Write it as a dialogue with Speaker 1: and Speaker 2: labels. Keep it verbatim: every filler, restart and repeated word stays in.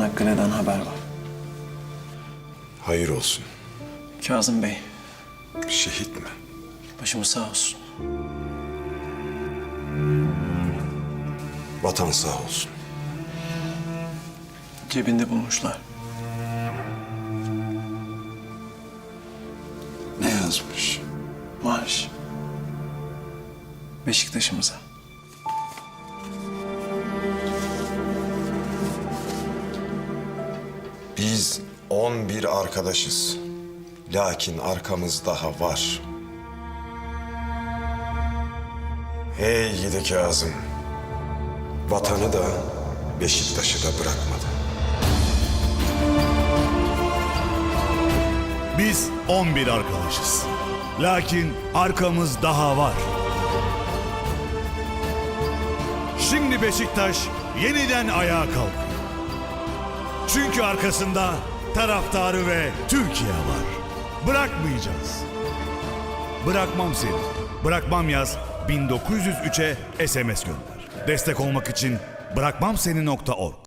Speaker 1: Çanakkale'den haber var.
Speaker 2: Hayır olsun.
Speaker 1: Kazım Bey,
Speaker 2: Şehit mi?
Speaker 1: başımız sağ olsun.
Speaker 2: Vatan sağ olsun.
Speaker 1: Cebinde bulmuşlar.
Speaker 2: Ne yazmış?
Speaker 1: Marş. Beşiktaş'ımıza.
Speaker 2: Biz on bir arkadaşız. Lakin arkamız daha var. Hey gidi Kazım. Vatanı da Beşiktaş'ı da bırakmadı.
Speaker 3: Biz on bir arkadaşız. Lakin arkamız daha var. Şimdi Beşiktaş yeniden ayağa kalkıyor. Çünkü arkasında taraftarı ve Türkiye var. Bırakmayacağız. Bırakmam seni. Bırakmam yaz bin dokuz yüz üçe S M S gönder. Destek olmak için bırakmamseni nokta org.